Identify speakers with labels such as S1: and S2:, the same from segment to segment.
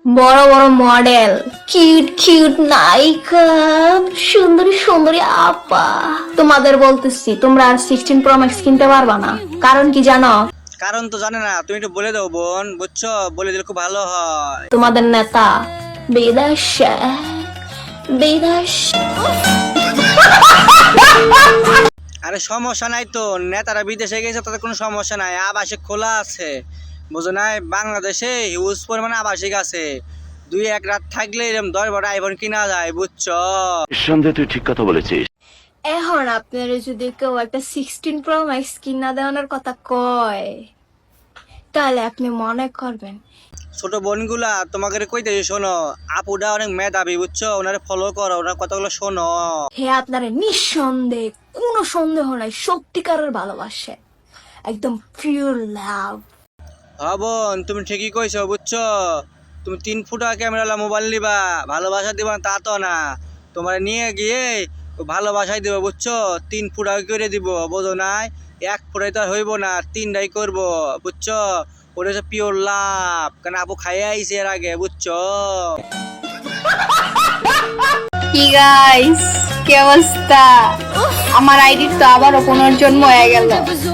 S1: বড় বড় model, cute cute নায়িকা, সুন্দরী সুন্দরী আপা, তোমাদের বলতেছি তোমরা আর 16 প্রো ম্যাক্স কিনতে পারবা না। কারণ কি জানো?
S2: কারণ তো জানে না, তুমি একটু বলে দাও বোন, বুঝছো? বলে দিলে খুব ভালো হয়।
S1: তোমাদের নেতা বিদেশে, বিদেশে।
S2: আরে সমস্যা নাই তো, নেতারা বিদেশে গেছে তাদের কোনো সমস্যা নাই, আবাসিক খোলা আছে, বুঝো নাই? বাংলাদেশে হিউজ পরিমাণে আবাসিক আছে, 2-1 রাত থাকলে এরকম 10-12 আইফোন কিনা যায়, বুঝছো?
S3: নিঃসন্দেহে তুই ঠিক কথা বলেছিস।
S1: এখন আপনারা যদি কেউ একটা 16 প্রো ম্যাক্স কিনা দেওয়ানোর কথা কয়, তাহলে আপনি মনে করবেন
S2: ছোট বোনগুলা তোমাকে কইতেছি, শোনো, আপুটা অনেক মেধাবী, বুঝছো? ওনারে ফলো করো, ওনার কথাগুলো শোনো।
S1: হে আপনারা নিঃসন্দেহে, কোনো সন্দেহ নাই, সত্যিকারের ভালোবাসে, একদম পিওর লাভ।
S2: হ্যাঁ বোন, তুমি ঠিকই কইছো, বুঝছো? তুমি 3 ফুটা ক্যামেরালা মোবাইল নিবা, ভালোবাসা দিবা তা তো না, তোমার নিয়ে গিয়ে ভালোবাসাই দিব, বুঝছো? 3 ফুটা করে দিব, বুঝো নাই? 1 ফুটাই তো আর হইব না, 3টাই করবো, বুঝছো? ওটা হচ্ছে পিওর লাভ, কারণ আপু খাইয়ে আইছে এর আগে, বুঝছো?
S4: কি গাইস, কি অবস্থা? আমার আইডির তো আবারও পুনর্জন্ম হয়ে গেল।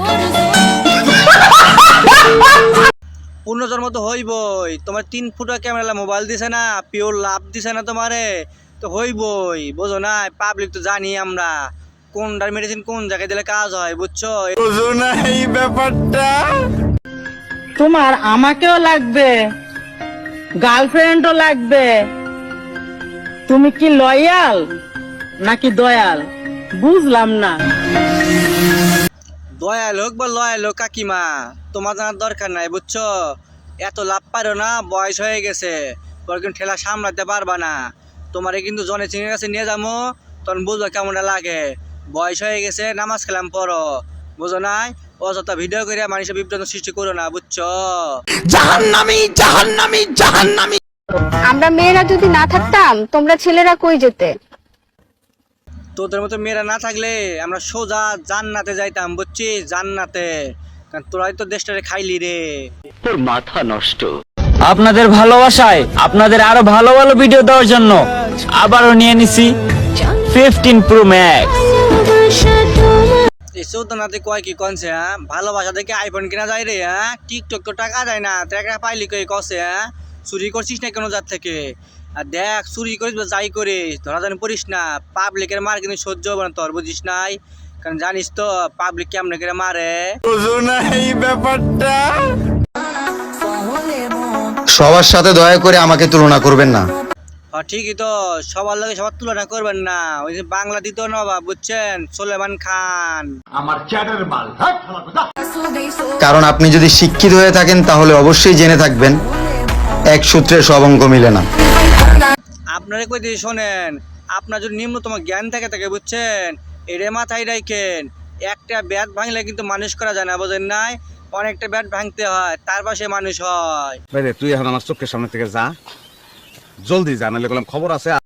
S2: পুনর্জন্ম তো হইবই, তোমার 3 ফুটা ক্যামেরালা মোবাইল দিছে না, পিওর লাভ দিছে না তোমারে, তো হইবই, বুঝো না? পাবলিক তো জানি আমরা কোনটার মেডিসিন কোন জায়গায় দিলে কাজ হয়, বুঝছো?
S5: তোমার আমাকেও লাগবে, গার্লফ্রেন্ডও লাগবে। তুমি কি লয়াল নাকি দয়াল বুঝলাম না।
S2: দয়াল হোক বা লয়াল হোক কাকিমা, তোমার জানার দরকার নাই, বুঝছো? এত লাভ পারো না, বয়স হয়ে গেছে, পরে কিন্তু ঠেলা সামলাতে পারবা না। তোমারে কিন্তু জনে চিনের কাছে নিয়ে যাবো, তখন বুঝবো কেমনটা লাগে। বয়স হয়ে গেছে, নামাজ কালাম পড়ো, বুঝো নাই? অযথা ভিডিও করে মানুষের বিভ্রান্ত সৃষ্টি করো না, বুঝছো?
S4: আমরা মেয়েরা যদি না থাকতাম, তোমরা ছেলেরা কই যেতে?
S2: তোদের মতো মেয়েরা না থাকলে আমরা সোজা জান্নাতে যাইতাম, বুঝছিস? জান্নাতে, কারণ তোরাই তো দেশটারে খাইলি রে।
S3: তোর মাথা নষ্ট।
S6: আপনাদের ভালোবাসায় আপনাদের আরো ভালো ভালো ভিডিও দেওয়ার জন্য আবারও নিয়ে নিছি 15 প্রো ম্যাক্স।
S2: এই চৌদ্দনাতে কয় কি কনছে, হ্যাঁ? ভালোবাসা দেখে আইফোন কিনা যায় রে, হ্যাঁ? টিকটক তো টাকা যায় না, টাকা পাইলি কই কছে, হ্যাঁ? চুরি করছিস না কোনো জাত থেকে? আর দেখ, চুরি করিস বা যাই করিস, ধরা জানি পড়িস না, পাবলিকের মার কিন্তু সহ্য হবে না তোর, বুঝিস নাই? কারণ জানিস তো পাবলিক কেমনে করে মারে।
S7: সবার সাথে দয়া করে আমাকে তুলনা করবেন না।
S2: হ্যাঁ ঠিকই তো, সবার লগে সবার তুলনা করবেন না। ওই যে বাংলা দিত নবাব, বুঝছেন? সুলেমান খান।
S7: কারণ আপনি যদি শিক্ষিত হয়ে থাকেন তাহলে অবশ্যই জেনে থাকবেন এক সূত্রে সব অঙ্ক মিলে না।
S2: আপনারা কই দিয়ে শোনেন, আপনার যদি নিম্নতম জ্ঞান থাকে, বুঝছেন? এরে মাথায় রাখেন, একটা ব্যাট ভাঙলে কিন্তু মানুষ করা যায় না, বোঝেন নাই? অনেকটা ব্যাট ভাঙতে হয়, তারপর সে মানুষ হয়।
S8: ভাই রে, তুই এখন আমার চোখের সামনে থেকে যা, জলদি যা, নাহলে খবর আছে।